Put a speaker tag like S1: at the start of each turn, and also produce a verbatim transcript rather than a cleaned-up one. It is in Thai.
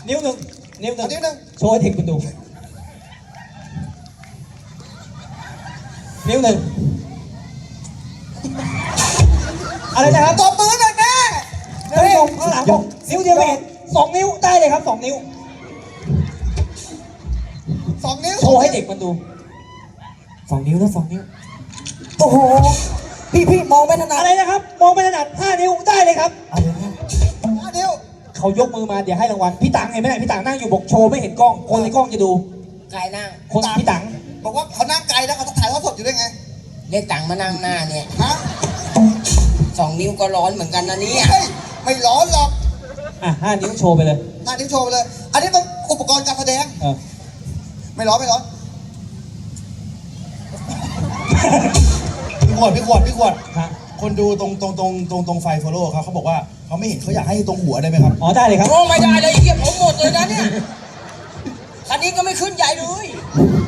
S1: นิ้วหนึ่งนิ้วหนึ่ง
S2: นิ้วหนึ่ง
S1: โชว์ให้เด็กมันดูนิ้วหนึ่งอะไรนะครับ
S2: ตบมือหน่อยแม่
S1: ท่านผู้ชมข้างหลังบอกนิ้วเดียวไม่เห็นสองนิ้วได้เลยครับสองนิ้ว
S2: สองนิ้ว
S1: โชว์ให้เด็กมันดูสองนิ้วแล้วสองนิ้ว
S3: โอ้โหพี่พี่มองไม่ถนัด
S1: อะไรนะครับมองไม่ถนัดห้านิ้วได้เลยครับ
S3: เอาเลยนะ
S2: ห้านิ้ว
S1: เขายกมือมาเดี๋ยวให้รางวัลพี่ตังเห็นไหมเนี่ยพี่ตังนั่งอยู่บอกโชว์ไม่เห็นกล้องคนในกล้องจะดู
S4: ไกลนั่ง
S1: คนพี่ตัง
S2: บอกว่าเขานั่งไกลแล้วเขาถ่ายทอดสดอยู่ได้ไง
S4: เรียกตังค์มานั่งหน้าเนี่ย
S2: ฮะ
S4: สองนิ้วก็ร้อนเหมือนกันนะเนี่ย
S2: เฮ้ยไม่ร้อนหรอก
S1: อ่ะห้านิ้วโชว์ไปเลย
S2: ห้านิ้วโชว์ไปเลย อันนี้เป็นอุปกรณ์การแสดง
S1: เออ
S2: ไม่ร้อนไม่ร้อน
S5: พี่ขวดพี่ขวดพี่ขวด
S1: ฮะ
S5: คนดูตรงตรงตรงตรงตรงไฟโฟโล่เขาเขาบอกว่าเขาไม่เห็นเขาอยากให้ตรงหัวได้ไหมครับ
S1: อ๋อได้เลยครับ
S4: โอ้ไม่ได้เลยเหี้ยผมหมดเลยนะเนี่ยคันนี้ก็ไม่ขึ้นใหญ่เลย